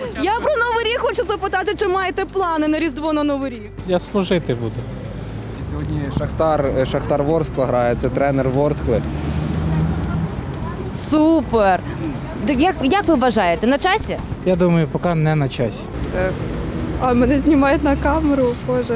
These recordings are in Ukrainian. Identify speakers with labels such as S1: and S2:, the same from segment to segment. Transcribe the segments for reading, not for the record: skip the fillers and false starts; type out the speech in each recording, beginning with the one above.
S1: Я про Новий рік хочу запитати, чи маєте плани на Різдво, на Новий рік?
S2: Я служити буду.
S3: Сьогодні Шахтар Ворскла грає, це тренер Ворскли.
S1: Супер! Як ви вважаєте, на часі?
S2: Я думаю, поки не на часі.
S4: А мене знімають на камеру, боже.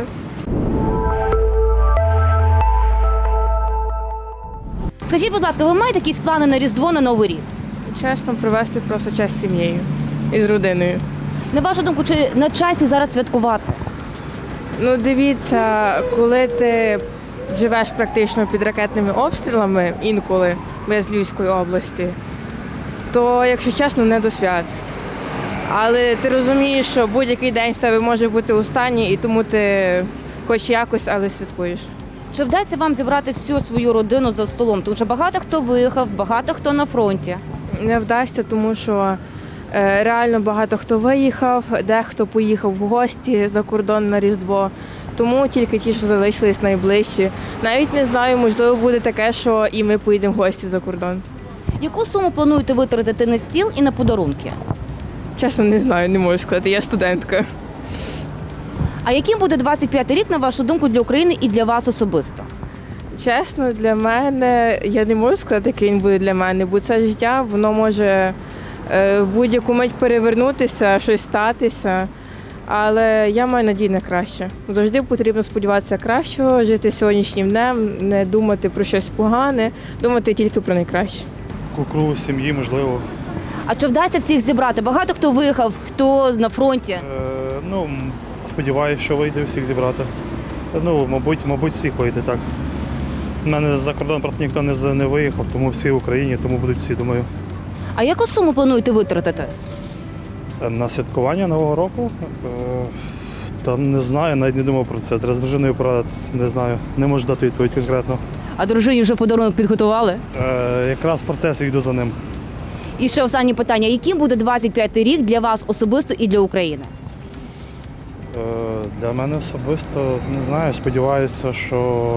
S1: Скажіть, будь ласка, ви маєте якісь плани на Різдво, на Новий рік?
S4: Чесно, провести просто час з сім'єю і з родиною.
S1: На вашу думку, чи на часі зараз святкувати?
S4: Ну, дивіться, коли ти живеш практично під ракетними обстрілами інколи без Львівської області, то, якщо чесно, не до свят. Але ти розумієш, що будь-який день в тебе може бути останній, і тому ти хоч якось, але святкуєш.
S1: Чи вдасться вам зібрати всю свою родину за столом? Тому що багато хто виїхав, багато хто на фронті.
S4: Не вдасться, тому що реально багато хто виїхав, дехто поїхав в гості за кордон на Різдво. Тому тільки ті, що залишились найближчі. Навіть не знаю, можливо, буде таке, що і ми поїдемо в гості за кордон.
S1: Яку суму плануєте витратити на стіл і на подарунки?
S4: Чесно, не знаю, не можу сказати, я студентка.
S1: А яким буде 25-й рік, на вашу думку, для України і для вас особисто?
S4: Чесно, для мене, я не можу сказати, який він буде для мене, бо це життя, воно може в будь-яку мить перевернутися, щось статися. Але я маю надію на краще. Завжди потрібно сподіватися кращого, жити сьогоднішнім днем, не думати про щось погане, думати тільки про найкраще.
S5: Кругу сім'ї, можливо.
S1: А чи вдасться всіх зібрати? Багато хто виїхав, хто на фронті.
S5: Ну, сподіваюся, що вийде всіх зібрати. Ну, мабуть, всіх вийде, так. У мене за кордон просто ніхто не виїхав, тому всі в Україні, тому будуть всі, думаю.
S1: А яку суму плануєте витратити?
S5: На святкування Нового року? Та не знаю, навіть не думав про це. Треба з дружиною порадитися, не знаю. Не можу дати відповідь конкретно.
S1: А дружині вже подарунок підготували?
S5: Якраз в процесі йду за ним.
S1: І ще останнє питання. Яким буде 25-й рік для вас особисто і для України?
S5: Для мене особисто, не знаю, сподіваюся, що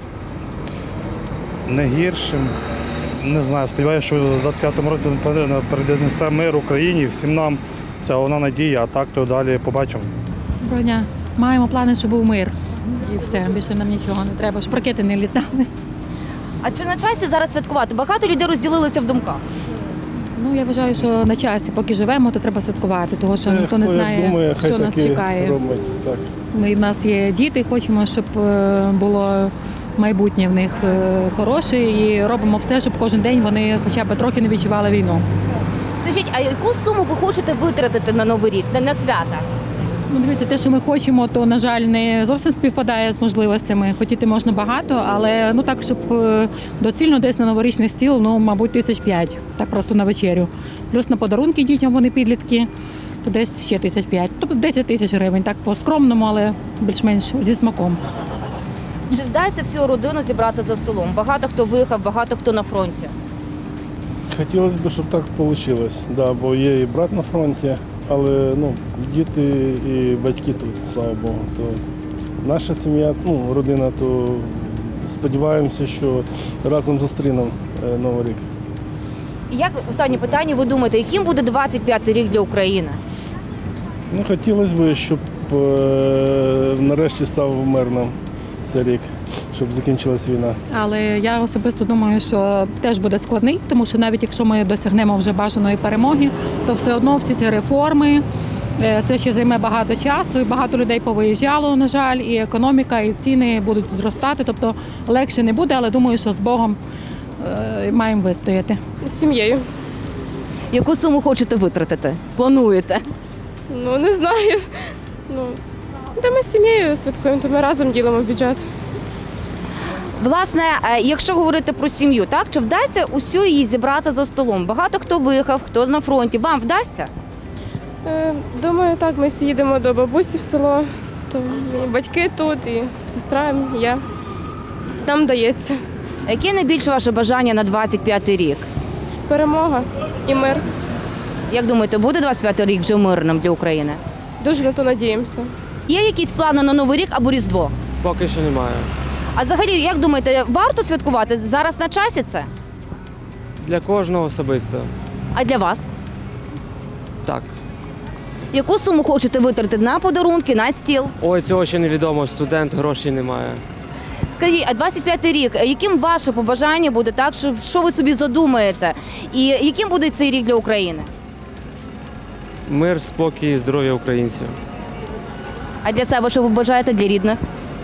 S5: не гіршим. Не знаю, сподіваюся, що в 25-му році перенесе мир Україні, всім нам. Це вона надія, а так то далі побачимо.
S6: Доброго дня. Маємо плани, щоб був мир. І все, більше нам нічого не треба, щоб ракети не літали.
S1: А чи на часі зараз святкувати? Багато людей розділилися в думках.
S6: Ну, я вважаю, що на часі, поки живемо, то треба святкувати, тому що ніхто не знає, що нас чекає. Ми, в нас є діти, хочемо, щоб було майбутнє в них хороше, і робимо все, щоб кожен день вони хоча б трохи не відчували війну.
S1: Скажіть, а яку суму ви хочете витратити на Новий рік, на свята?
S6: Ну, дивіться, те, що ми хочемо, то, на жаль, не зовсім співпадає з можливостями. Хотіти можна багато, але ну так, щоб доцільно десь на новорічний стіл, ну, мабуть, 5 000, так просто на вечерю. Плюс на подарунки дітям, вони підлітки, то десь ще 5 000, тобто 10 000 гривень, так по-скромному, але більш-менш зі смаком.
S1: Чи вдасться всю родину зібрати за столом? Багато хто виїхав, багато хто на фронті.
S7: Хотілося б, щоб так вийшло, да, бо є і брат на фронті, але ну, діти і батьки тут, слава Богу. То наша сім'я, ну, родина, то сподіваємося, що разом зустрінемо Новий рік.
S1: І як останнє питання, ви думаєте, яким буде 25-й рік для України?
S7: Ну, хотілося б, щоб нарешті став мирним цей рік, щоб закінчилась війна.
S6: Але я особисто думаю, що теж буде складний, тому що навіть якщо ми досягнемо вже бажаної перемоги, то все одно всі ці реформи, це ще займе багато часу, і багато людей повиїжджало, на жаль, і економіка, і ціни будуть зростати, тобто легше не буде, але думаю, що з Богом маємо вистояти.
S4: З сім'єю.
S1: Яку суму хочете витратити? Плануєте?
S4: Ну, не знаю. Ну, та ми з сім'єю святкуємо, то ми разом ділимо бюджет.
S1: Власне, якщо говорити про сім'ю, так, чи вдасться усю її зібрати за столом? Багато хто виїхав, хто на фронті. Вам вдасться?
S4: Думаю, так, ми всі їдемо до бабусі в село, то і батьки тут, і сестра, і я. Там вдається.
S1: Яке найбільше ваше бажання на 25-й рік?
S4: Перемога і мир.
S1: Як думаєте, буде 25-й рік вже мирним для України?
S4: Дуже на то надіємося.
S1: Є якісь плани на Новий рік або Різдво?
S8: Поки що немає.
S1: А взагалі, як думаєте, варто святкувати? Зараз на часі це?
S8: Для кожного особисто.
S1: А для вас?
S8: Так.
S1: Яку суму хочете витратити на подарунки, на стіл?
S8: Ой, цього ще невідомо. Студент, грошей немає.
S1: Скажіть, а 25-й рік, яким ваше побажання буде, так? Що ви собі задумаєте? І яким буде цей рік для України?
S8: Мир, спокій, здоров'я українців.
S1: А для себе що ви бажаєте, для рідних?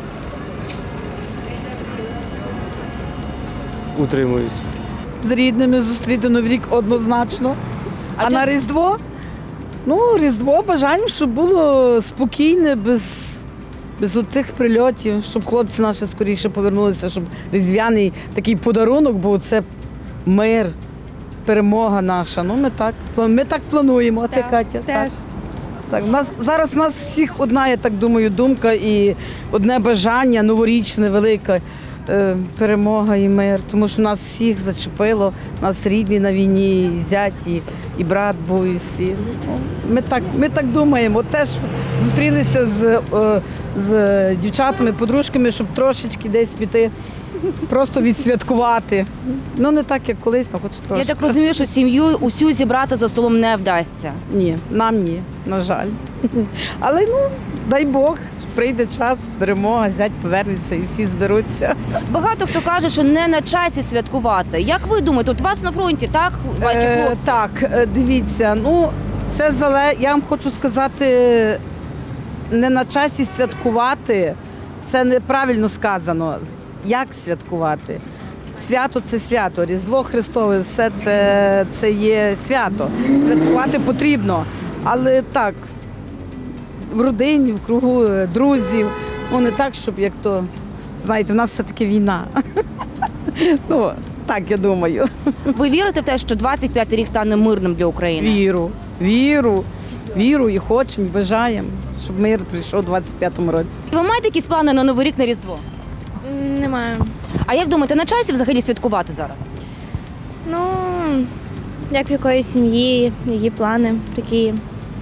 S8: Утримуюсь.
S9: З рідними зустріти Новий рік однозначно. А
S1: чи-
S9: на Різдво? Ну, Різдво бажаємо, щоб було спокійне, без отих прильотів, щоб хлопці наші скоріше повернулися, щоб різдвяний такий подарунок був. Це мир, перемога наша. Ну, ми так плануємо. А ти, Катя?
S10: Теж.
S9: Так, зараз у нас всіх одна, я так думаю, думка і одне бажання новорічне, велике. Перемога і мир, тому що нас всіх зачепило, нас рідні на війні, і зять, і брат був, і всі. Ну, ми так думаємо. Теж зустрілися з дівчатами, подружками, щоб трошечки десь піти, просто відсвяткувати. Ну, не так, як колись, але хоч трошки.
S1: Я так розумію, що сім'ю усю зібрати за столом не вдасться.
S9: Ні, нам ні, на жаль. Але ну, дай Бог, прийде час, перемога, зять повернеться і всі зберуться.
S1: Багато хто каже, що не на часі святкувати. Як ви думаєте, от вас на фронті, так, ваші хлопці?
S9: Так, дивіться, ну це я вам хочу сказати, не на часі святкувати, це неправильно сказано. Як святкувати? Свято це свято, Різдво Христове, все це є свято. Святкувати потрібно, але так, в родині, в кругу друзів, ну не так, щоб як то, знаєте, в нас все-таки війна. Ну, так я думаю.
S1: Ви вірите в те, що 25-й рік стане мирним для України?
S9: Віру і хочемо, і бажаємо, щоб мир прийшов у 25-му році.
S1: Ви маєте якісь плани на Новий рік, на Різдво?
S10: Немає.
S1: А як думаєте, на часі взагалі святкувати зараз?
S10: Ну, як в якоїсь сім'ї, які плани такі.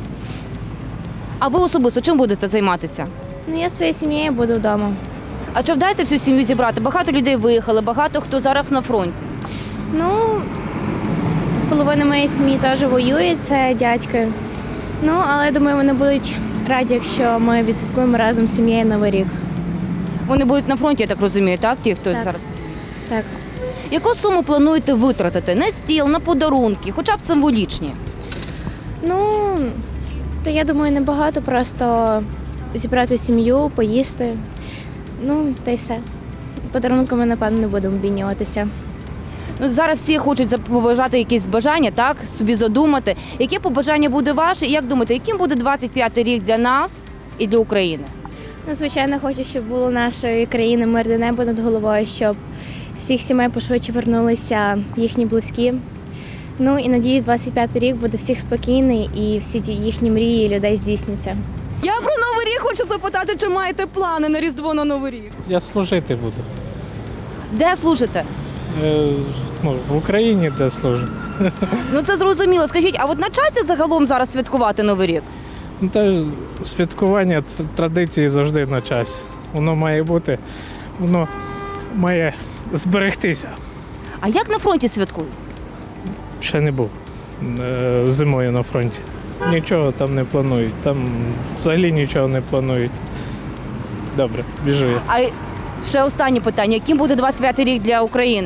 S1: А ви особисто чим будете займатися?
S10: Ну, я своєю сім'єю буду вдома.
S1: А чи вдасться всю сім'ю зібрати? Багато людей виїхали, багато хто зараз на фронті.
S10: Ну, половина моєї сім'ї теж воює, це дядьки. Ну, але я думаю, вони будуть раді, якщо ми відсвяткуємо разом з сім'єю Новий рік.
S1: Вони будуть на фронті, я так розумію, так? Ті, хто
S10: Так.
S1: зараз.
S10: Так.
S1: Яку суму плануєте витратити на стіл, на подарунки, хоча б символічні?
S10: Ну, то я думаю, небагато, просто зібрати сім'ю, поїсти. Ну, та й все. Подарунками, напевно, не будемо обмінюватися.
S1: Ну, зараз всі хочуть побажати якісь бажання, так, собі задумати. Яке побажання буде ваше? І як думаєте, яким буде 25-й рік для нас і для України?
S10: Ну, звичайно, хочу, щоб було нашої країни мирне небо над головою, щоб всіх сімей пошвидше вернулися їхні близькі. Ну і надіюсь, 25-й рік буде всіх спокійний і всі ті їхні мрії людей здійсняться.
S1: Я про Новий рік хочу запитати, чи маєте плани на Різдво, на Новий рік?
S2: Я служити буду.
S1: Де служите?
S2: Ну, в Україні де служу.
S1: Ну це зрозуміло. Скажіть, а от на часі загалом зараз святкувати Новий рік?
S2: Ну, та святкування традиції завжди на часі. Воно має бути, воно має зберегтися.
S1: А як на фронті святкують?
S2: Ще не був зимою на фронті. Нічого там не планують. Там взагалі нічого не планують. Добре, біжу я.
S1: А ще останнє питання. Яким буде 25-й рік для України?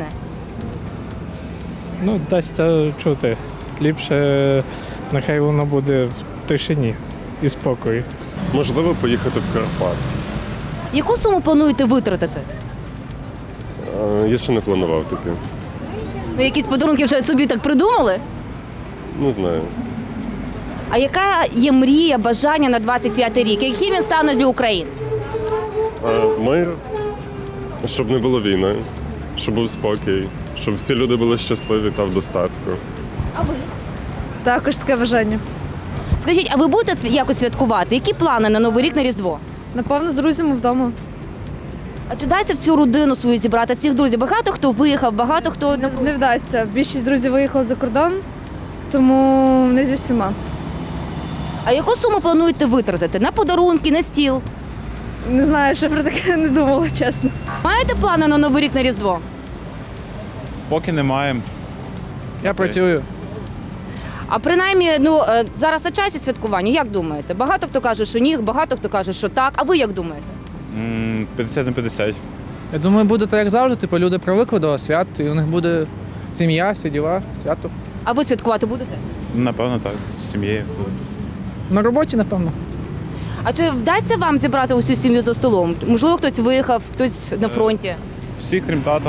S2: Ну, дасться чути. Ліпше нехай воно буде в тишині і спокої.
S11: Можливо, поїхати в Карпат.
S1: Яку суму плануєте витратити?
S11: Я ще не планував таке.
S1: Ну, якісь подарунки вже собі так придумали?
S11: Не знаю.
S1: А яка є мрія, бажання на 25-й рік? Яким він стане для України?
S11: Мир, щоб не було війни, щоб був спокій, щоб всі люди були щасливі та в достатку.
S1: А ви?
S12: Також таке бажання.
S1: Скажіть, а ви будете якось святкувати? Які плани на Новий рік, на Різдво?
S12: Напевно, з друзями вдома.
S1: А чи дається всю родину свою зібрати, всіх друзів? Багато хто виїхав, багато хто...
S12: Не вдасться. Більшість друзів виїхали за кордон, тому не зі всіма.
S1: А яку суму плануєте витратити? На подарунки, на стіл?
S12: Не знаю, ще про таке не думала, чесно.
S1: Маєте плани на Новий рік, на Різдво?
S13: Поки не маємо.
S3: Я працюю.
S1: А принаймні, зараз на часі святкування, як думаєте? Багато хто каже, що ні, багато хто каже, що так. А ви як думаєте?
S13: 50 на 50.
S3: Я думаю, буде так, як завжди. Типу, люди привикли до свят, і у них буде сім'я, всі діла, свято.
S1: А ви святкувати будете?
S13: Напевно, так, з сім'єю.
S3: На роботі, напевно.
S1: А чи вдасться вам зібрати усю сім'ю за столом? Можливо, хтось виїхав, хтось на фронті.
S13: Всіх, крім тата,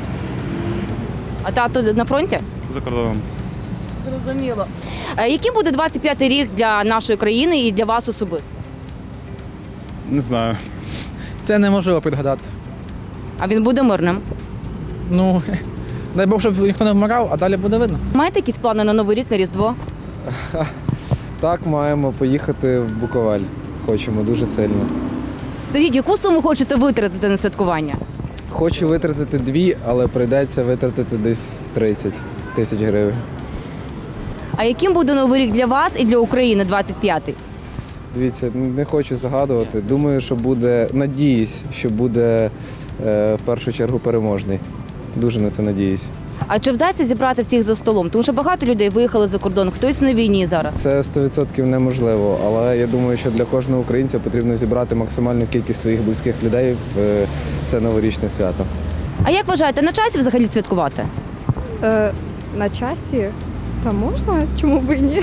S1: А тато на фронті?
S13: за кордоном.
S1: Зрозуміло. Яким буде 25-й рік для нашої країни і для вас особисто?
S13: Не знаю.
S3: Це неможливо підгадати.
S1: А він буде мирним?
S3: Ну, дай Бог, щоб ніхто не вмирав, а далі буде видно.
S1: Маєте якісь плани на Новий рік, на Різдво?
S3: Так, маємо поїхати в Буковель. Хочемо дуже сильно.
S1: Скажіть, яку суму хочете витратити на святкування?
S3: Хочу витратити 2, але прийдеться витратити десь 30 тисяч гривень.
S1: А яким буде Новий рік для вас і для України 25-й?
S3: Дивіться, не хочу загадувати. Думаю, що буде, надіюсь, що буде в першу чергу переможний. Дуже на це надіюсь.
S1: А чи вдасться зібрати всіх за столом? Тому що багато людей виїхали за кордон, хтось на війні зараз.
S3: Це 100% неможливо, але я думаю, що для кожного українця потрібно зібрати максимальну кількість своїх близьких людей в це новорічне свято.
S1: А як вважаєте, на часі взагалі святкувати?
S12: На часі? Та можна, чому б і ні?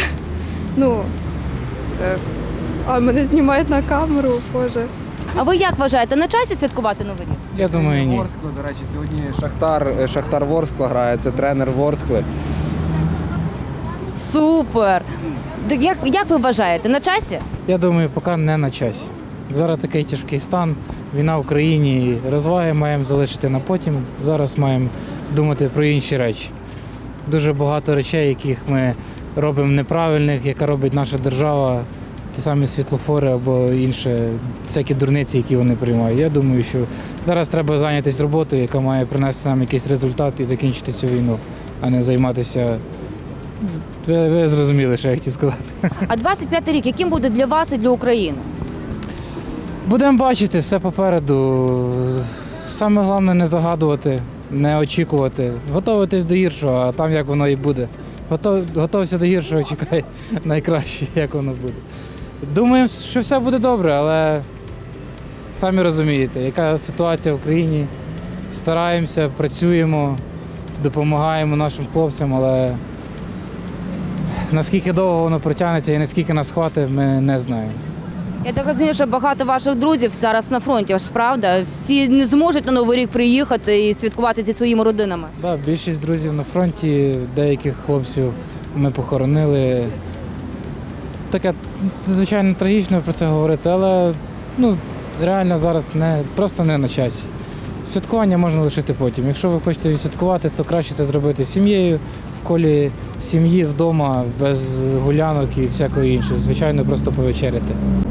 S12: А мене знімають на камеру, боже.
S1: А ви як вважаєте, на часі святкувати Новий рік?
S2: Я думаю, ні.
S3: Ворскли, до речі, сьогодні Шахтар Ворскла грає, це тренер Ворскли.
S1: Супер! Як ви вважаєте, на часі?
S2: Я думаю, поки не на часі. Зараз такий тяжкий стан, війна в Україні, розваги маємо залишити на потім. Зараз маємо думати про інші речі. Дуже багато речей, яких ми робимо неправильних, яка робить наша держава, ті самі світлофори або інші всякі дурниці, які вони приймають. Я думаю, що зараз треба зайнятися роботою, яка має принести нам якийсь результат і закінчити цю війну, а не займатися. Ви зрозуміли, що я хотів сказати.
S1: А 25-й рік, яким буде для вас і для України?
S2: Будемо бачити, все попереду. Саме головне не загадувати, не очікувати. Готуватись до гіршого, а там як воно і буде. Готовся до гіршого, чекай найкраще, як воно буде. Думаємо, що все буде добре, але самі розумієте, яка ситуація в країні. Стараємося, працюємо, допомагаємо нашим хлопцям, але наскільки довго воно протягнеться і наскільки нас хватить, ми не знаємо.
S1: Я так розумію, що багато ваших друзів зараз на фронті, ж правда? Всі не зможуть на Новий рік приїхати і святкувати зі своїми родинами.
S2: Так, більшість друзів на фронті, деяких хлопців ми похоронили. Таке, звичайно, трагічно про це говорити, але реально зараз просто не на часі. Святкування можна лишити потім. Якщо ви хочете відсвяткувати, то краще це зробити з сім'єю, в колі сім'ї, вдома, без гулянок і всякого іншого. Звичайно, просто повечеряти.